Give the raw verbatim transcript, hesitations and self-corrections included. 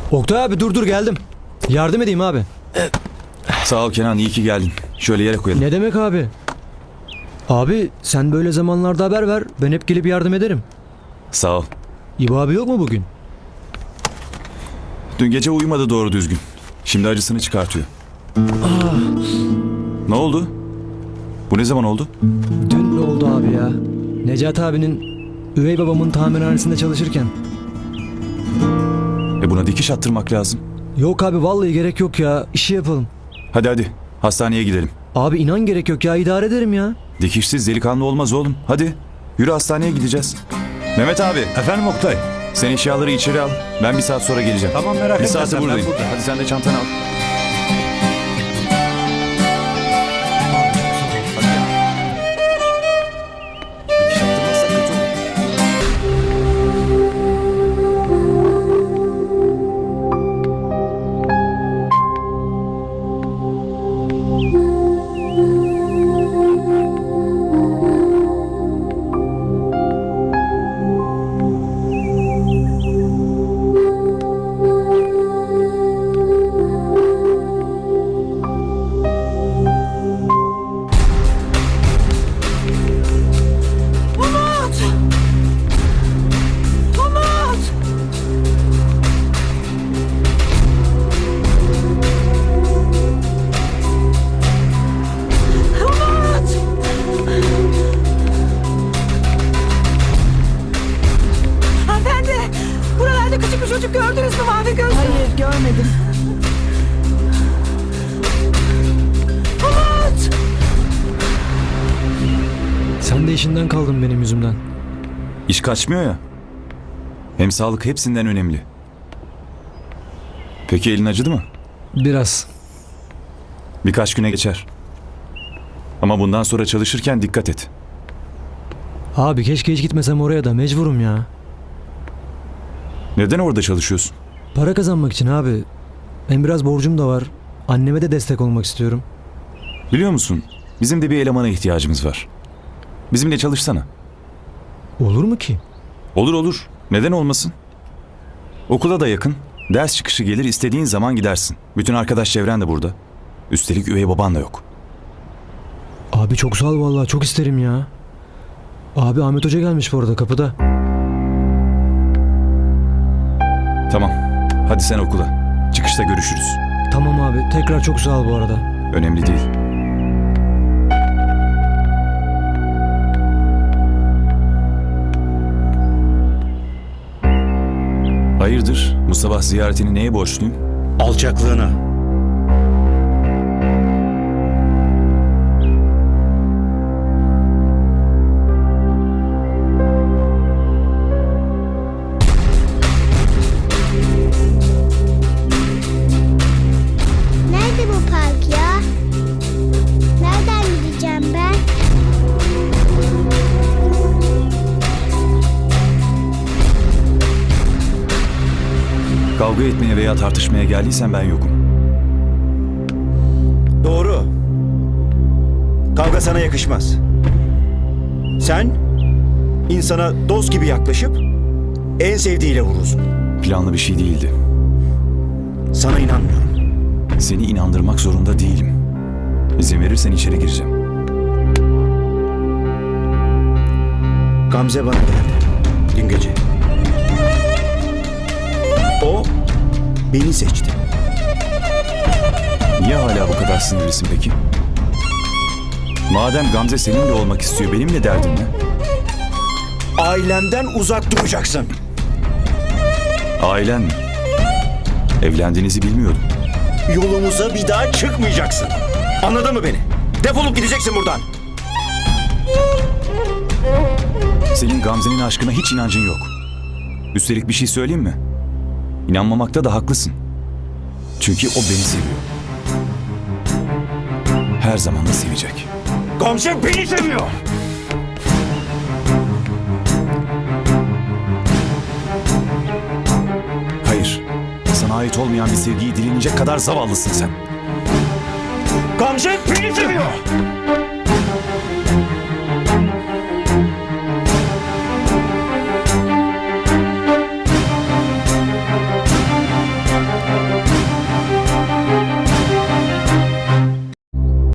Oktay abi dur dur geldim. Yardım edeyim abi. Sağ ol Kenan, iyi ki geldin. Şöyle yere koyalım. Ne demek abi? Abi sen böyle zamanlarda haber ver. Ben hep gelip yardım ederim. Sağ ol. İbo abi yok mu bugün? Dün gece uyumadı doğru düzgün. Şimdi acısını çıkartıyor. Ne oldu? Bu ne zaman oldu? Dün ne oldu abi ya? Necati abinin üvey babamın tamirhanesinde çalışırken. E buna dikiş attırmak lazım. Yok abi vallahi gerek yok ya. İşi yapalım. Hadi hadi, hastaneye gidelim. Abi inan gerek yok ya, idare ederim ya. Dikişsiz delikanlı olmaz oğlum. Hadi, yürü hastaneye gideceğiz. Mehmet abi, Efendim Oktay. sen eşyaları içeri al. Ben bir saat sonra geleceğim. Tamam, merak Bir etme saate sen, ben buradayım. burada. Hadi sen de çantanı al. Dikiş attırmazsak kötü olur. Umut! Umut! Umut! Hanımefendi! Buralarda küçük bir çocuk gördünüz mü mavi gözlü? Hayır görmedim. Umut! Sen de işinden kaldın benim yüzümden. İş kaçmıyor ya. Hem sağlık hepsinden önemli. Peki elin acıdı mı? Biraz. Birkaç güne geçer. Ama bundan sonra çalışırken dikkat et. Abi keşke hiç gitmesem oraya da, mecburum ya. Neden orada çalışıyorsun? Para kazanmak için abi. Hem biraz borcum da var. Anneme de destek olmak istiyorum. Biliyor musun? Bizim de bir elemana ihtiyacımız var. Bizimle çalışsana. Olur mu ki? Olur olur. Neden olmasın? Okula da yakın. Ders çıkışı gelir, istediğin zaman gidersin. Bütün arkadaş çevren de burada. Üstelik üvey baban da yok. Abi çok sağ ol vallahi, çok isterim ya. Abi Ahmet Hoca gelmiş bu arada kapıda. Tamam. Hadi sen okula. Çıkışta görüşürüz. Tamam abi, tekrar çok sağ ol bu arada. Önemli değil. Hayırdır? Bu sabah ziyaretini neye borçluyum? Alçaklığına. Nerede bu park ya? Nereden gideceğim ben? Kavga etmeye veya tartışmaya geldiysen ben yokum. Doğru. Kavga sana yakışmaz. Sen insana dost gibi yaklaşıp en sevdiğiyle vurursun. Planlı bir şey değildi. Sana inanmıyorum. Seni inandırmak zorunda değilim. İzin verirsen içeri gireceğim. Gamze bana geldi dün gece. O beni seçti. Niye hala bu kadar sinirlisin peki? Madem Gamze seninle olmak istiyor, benimle derdin ne? Ailemden uzak duracaksın. Ailen mi? Evlendiğinizi bilmiyordum. Yolumuza bir daha çıkmayacaksın. Anladın mı beni? Defolup gideceksin buradan. Senin Gamze'nin aşkına hiç inancın yok. Üstelik bir şey söyleyeyim mi? İnanmamakta da haklısın. Çünkü o beni seviyor. Her zaman da sevecek. Gamze beni seviyor. Hayır. Sana ait olmayan bir sevgiyi dilenecek kadar zavallısın sen. Gamze beni seviyor.